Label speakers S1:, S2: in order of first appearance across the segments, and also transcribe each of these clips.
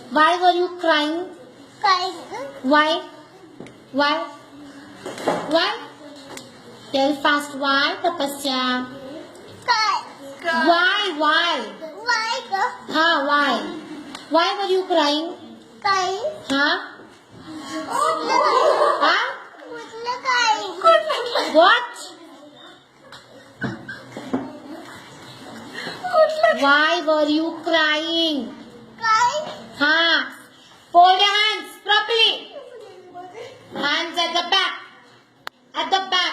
S1: Why were you crying? Why? Why? Why? Tell fast. Why, Tapasya? Why? Why? Why? Why were you crying? Huh? What? Why were you crying? Fold your hands properly. Hands at the back. At the back.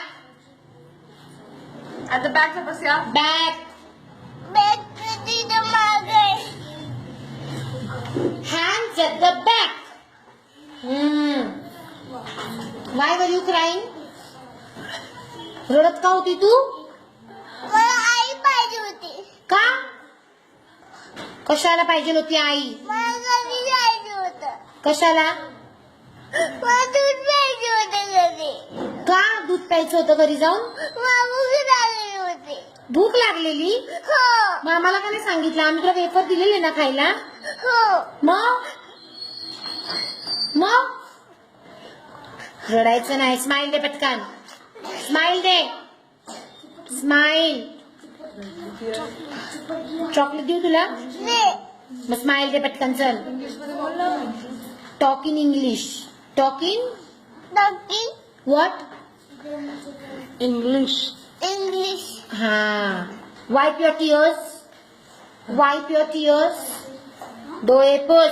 S2: At the back, Tapasya.
S1: Back. Hands at the back. Why were you crying? रडत का होती तू?
S3: आई पाहिजे होती.
S1: का? कशाला पाहिजे होती आई?
S3: मला घरी जायचं होतं.
S1: कशाला?
S3: मला दूध प्यायचं होतं घरी.
S1: का दूध प्यायचं होतं घरी जाऊन?
S3: मला भूक लागली होती.
S1: भूक लागलेली?
S3: हो.
S1: मग आम्हाला का नाही सांगितलं? आम्ही तुला वेफर दिलेले ना खायला?
S3: हो.
S1: मग रडायचं नाही. स्माइल दे पटकन. स्माइल दे. स्माइल. चॉकलेट देऊ तुला?
S3: दे.
S1: मग स्माइल दे पटकन. चल. Talk in English. Talk in
S3: डॉक्टी.
S1: What?
S2: English.
S3: English.
S1: Wipe your tears. Wipe your tears. डोळे पुस.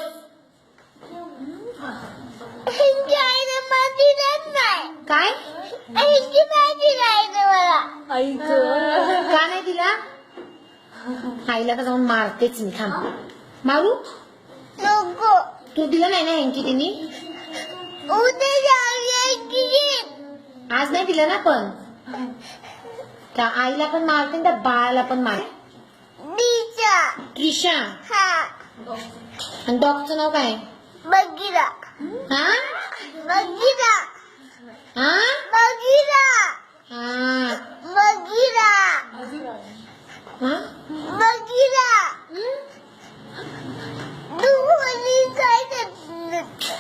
S3: हिंदी आईने मला दिलंच नाही.
S1: काय?
S3: हिंदी पाहिजे आईने मला.
S1: का नाही दिला? आईला का जाऊन मारतेच मी. थांब. मारू?
S3: नको.
S1: तू दिलं नाही ना हेंकी तिने?
S3: उद्या जाऊया की.
S1: आज नाही दिलं ना पण. त्या आईला पण मारते त्या बाळाला पण मारते.
S3: दीचा.
S1: त्रिशा.
S3: हा.
S1: आणि डॉगचं नाव काय?
S3: बगीरा.
S1: हा?
S3: बगीरा.
S1: हा?
S3: बगीरा.
S1: हा.
S3: बगीरा.
S1: हा?
S3: बगीरा. तू मुली काय करते?